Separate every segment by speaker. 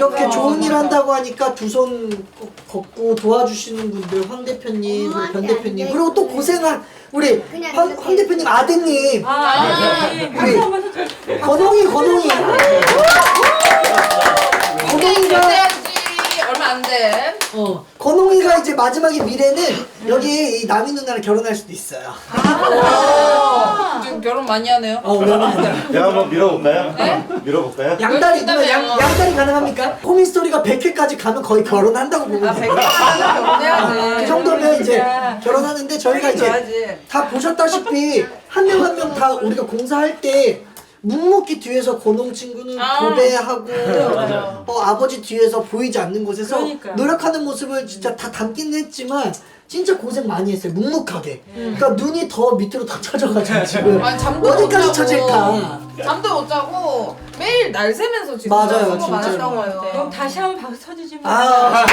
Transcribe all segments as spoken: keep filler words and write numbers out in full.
Speaker 1: 이렇게 좋은 일 한다고 하니까 두 손 걷고 도와주시는 분들 황 대표님, 그리고 변 대표님, 그리고 또 고생한 우리 황, 황 대표님 아드님, 우리 건홍이 건홍이 건홍이가
Speaker 2: 얼마 안 돼.
Speaker 1: 어 건홍이가 이제 마지막에 미래는 여기 이 남인 누나랑 결혼할 수도 있어요.
Speaker 2: 아 지금 결혼 많이 하네요.
Speaker 1: 어 왜냐면
Speaker 3: 내가 한번 밀어볼까요? 네? 밀어볼까요?
Speaker 1: 양다리 누나 양, 양다리 가능합니까? 호민스토리가 백 회까지 가면 거의 결혼한다고 보면 돼요.
Speaker 2: 결혼해야지.
Speaker 1: 그 정도면 이제 결혼하는데 저희가 이제 다 보셨다시피 한 명 한 명 다 우리가 공사할 때 묵묵히 뒤에서 건홍 친구는 도배하고 어, 아버지 뒤에서 보이지 않는 곳에서
Speaker 4: 그러니까요.
Speaker 1: 노력하는 모습을 진짜 다 담긴 했지만 진짜 고생 많이 했어요. 묵묵하게. 그러니까 눈이 더 밑으로 더 쳐져가지고 지금
Speaker 2: 아니, 잠도
Speaker 1: 어디까지
Speaker 2: 못 자고,
Speaker 1: 쳐질까.
Speaker 2: 잠도 못 자고 매일 날 새면서 지금
Speaker 1: 맞아요,
Speaker 2: 수고
Speaker 1: 진짜로.
Speaker 2: 많았다고요.
Speaker 4: 그럼 다시 한번 박수 쳐주지 뭐.
Speaker 1: 아,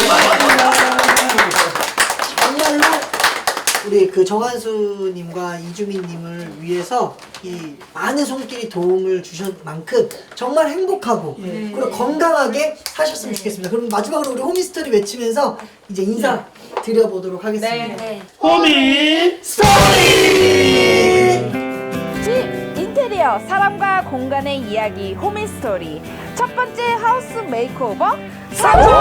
Speaker 1: 정말로 우리 그 정한수님과 이주민님을 위해서 이 많은 손길이 도움을 주신 만큼 정말 행복하고 그리고 건강하게 사셨으면 좋겠습니다. 그럼 마지막으로 우리 호미스토리 외치면서 이제 인사 드려보도록 하겠습니다.
Speaker 2: 네.
Speaker 1: 호미 스토리!
Speaker 5: 집 인테리어 사람과 공간의 이야기 호미스토리 첫 번째 하우스 메이크오버 성공!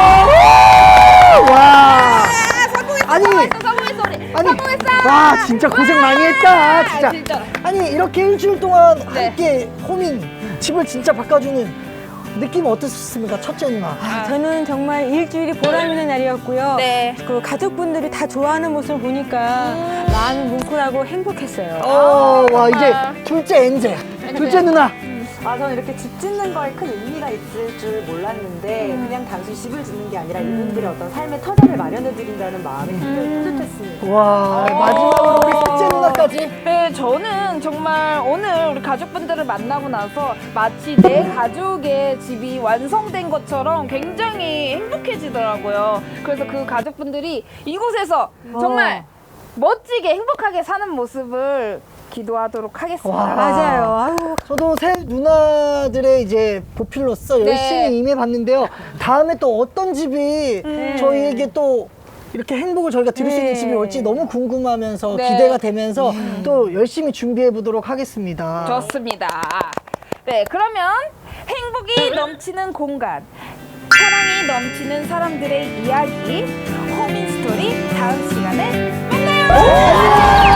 Speaker 1: 와!
Speaker 5: 성공했어
Speaker 1: 아니!
Speaker 5: 성공했어 성공했어 우리
Speaker 1: 아니,
Speaker 5: 성공했어!
Speaker 1: 와 진짜 고생 많이 했다 진짜.
Speaker 5: 진짜.
Speaker 1: 아니 이렇게 일주일 동안
Speaker 5: 네.
Speaker 1: 함께 호민 집을 진짜 바꿔주는 느낌 어떻습니까? 첫째 누나.
Speaker 4: 아, 저는 정말 일주일이 보람 있는 날이었고요.
Speaker 5: 네.
Speaker 4: 그 가족분들이 다 좋아하는 모습을 보니까 마음이 뭉클하고 행복했어요.
Speaker 1: 어, 와 이제 둘째 엔젤, 둘째 누나.
Speaker 6: 아, 저는 이렇게 집 짓는 거에 큰 의미가 있을 줄 몰랐는데 그냥 단순히 집을 짓는 게 아니라 이분들의 어떤 삶의 터전을 마련해 드린다는 마음이 굉장히 뿌듯했습니다.
Speaker 1: 와 마지막으로 우리 셋째 누나까지.
Speaker 5: 네, 저는 정말 오늘 우리 가족분들을 만나고 나서 마치 내 가족의 집이 완성된 것처럼 굉장히 행복해지더라고요. 그래서 그 가족분들이 이곳에서 정말 멋지게 행복하게 사는 모습을 기도하도록 하겠습니다.
Speaker 1: 와.
Speaker 4: 맞아요. 아유,
Speaker 1: 저도 새 누나들의 이제 보필로서
Speaker 5: 네.
Speaker 1: 열심히 임해봤는데요. 다음에 또 어떤 집이
Speaker 4: 네.
Speaker 1: 저희에게 또 이렇게 행복을 저희가 드릴 수 있는
Speaker 4: 네.
Speaker 1: 집이 올지 너무 궁금하면서
Speaker 5: 네.
Speaker 1: 기대가 되면서 또 열심히 준비해 보도록 하겠습니다.
Speaker 5: 좋습니다. 네, 그러면 행복이 넘치는 공간, 사랑이 넘치는 사람들의 이야기, 호민스토리 다음 시간에 만나요.